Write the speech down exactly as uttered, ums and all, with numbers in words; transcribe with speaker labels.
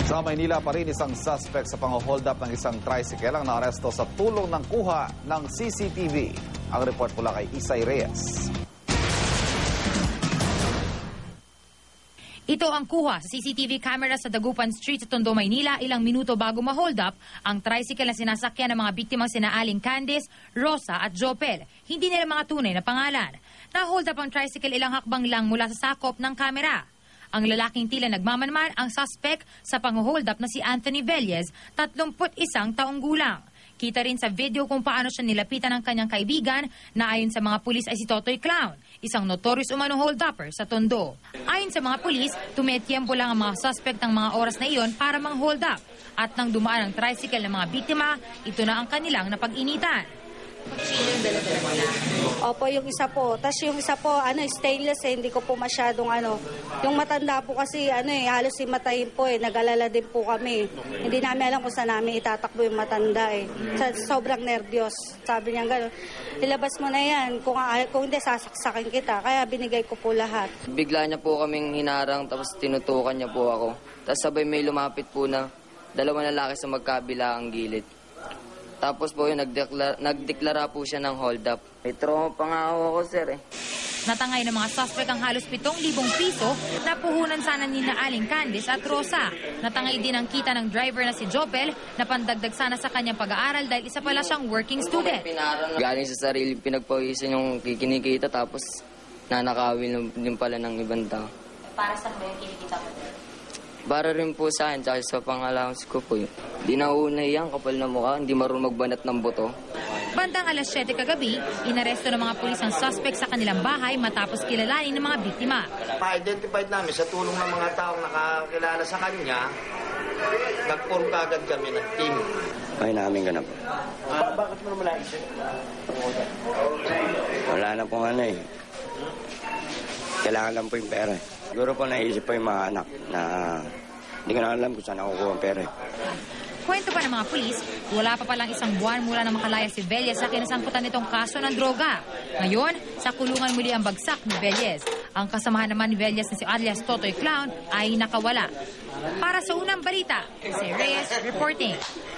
Speaker 1: Sa Maynila pa rin isang suspect sa pang-hold up ng isang tricycle ang naaresto sa tulong ng kuha ng C C T V. Ang report mula kay Isay Reyes.
Speaker 2: Ito ang kuha sa C C T V camera sa Dagupan Street sa Tondo, Maynila ilang minuto bago ma-hold up ang tricycle na sinasakyan ng mga biktimang sina Aling Candice, Rosa at Jopel. Hindi nila mga tunay na pangalan. Na-hold up ang tricycle ilang hakbang lang mula sa sakop ng kamera. Ang lalaking tila nagmamanman ang suspect sa pang-hold up na si Anthony Velez, tatlumput isang taong gulang. Kita rin sa video kung paano siya nilapitan ng kanyang kaibigan na ayon sa mga pulis ay si Totoy Clown, isang notorious umanong hold-upper sa Tondo. Ayon sa mga pulis, tumetiyempo lang ang mga suspect ng mga oras na iyon para mang-hold up. At nang dumaan ang tricycle ng mga biktima, ito na ang kanilang napag-initan.
Speaker 3: Opo, yung isa po. Tapos yung isa po, ano, stainless eh, hindi ko po masyadong ano. Yung matanda po kasi, ano eh, halos himatayin po eh, nag-alala din po kami. Hindi namin alam kung saan namin itatakbo yung matanda eh. Sa, sobrang nervyos. Sabi niya gano'n, ilabas mo na yan, kung, kung hindi, sasaksakin kita. Kaya binigay ko po lahat.
Speaker 4: Bigla niya po kaming hinarang, tapos tinutukan niya po ako. Tapos sabay may lumapit po na dalawang lalaki sa magkabila ang gilid. Tapos po yun, nagdeklara, nagdeklara po siya ng hold up. May trauma pa nga ako, sir eh.
Speaker 2: Natangay ng mga suspect ang halos pitong libong piso na puhunan sana ni na Aling Candice at Rosa. Natangay din ang kita ng driver na si Jopel na pandagdag sana sa kanyang pag-aaral dahil isa pala siyang working student.
Speaker 4: Galing sa sarili pinagpawisan yung kikinikita tapos nanakawin din pala ng ibang tao.
Speaker 2: Para saan ba yung kinikita mo?
Speaker 4: Para rin po sa akin, tsaka sa pang-allowance ko po yun. Di nauna yan, kapal na mukha, hindi marunong magbanat ng buto.
Speaker 2: Bandang alas siyete kagabi, inaresto ng mga pulis ang suspect sa kanilang bahay matapos kilalanin ng mga biktima.
Speaker 5: Pa-identified namin sa tulong ng mga taong nakakilala sa kanya, nag-form agad kami ng team.
Speaker 6: Ay namin ganap.
Speaker 5: Ah, bakit mo naman naisip?
Speaker 6: Wala na pong ano eh. Kailangan lang po yung pera. Siguro po naisip po yung mga anak na hindi ko na alam kung saan nakukuha ang pera.
Speaker 2: Kwento pa ng mga pulis, wala pa palang isang buwan mula na makalaya si Velez sa kinasangkutan nitong kaso ng droga. Ngayon, sa kulungan muli ang bagsak ni Velez. Ang kasamahan naman ni Velez na si alias Totoy Clown ay nakawala. Para sa unang balita, si Reyes reporting.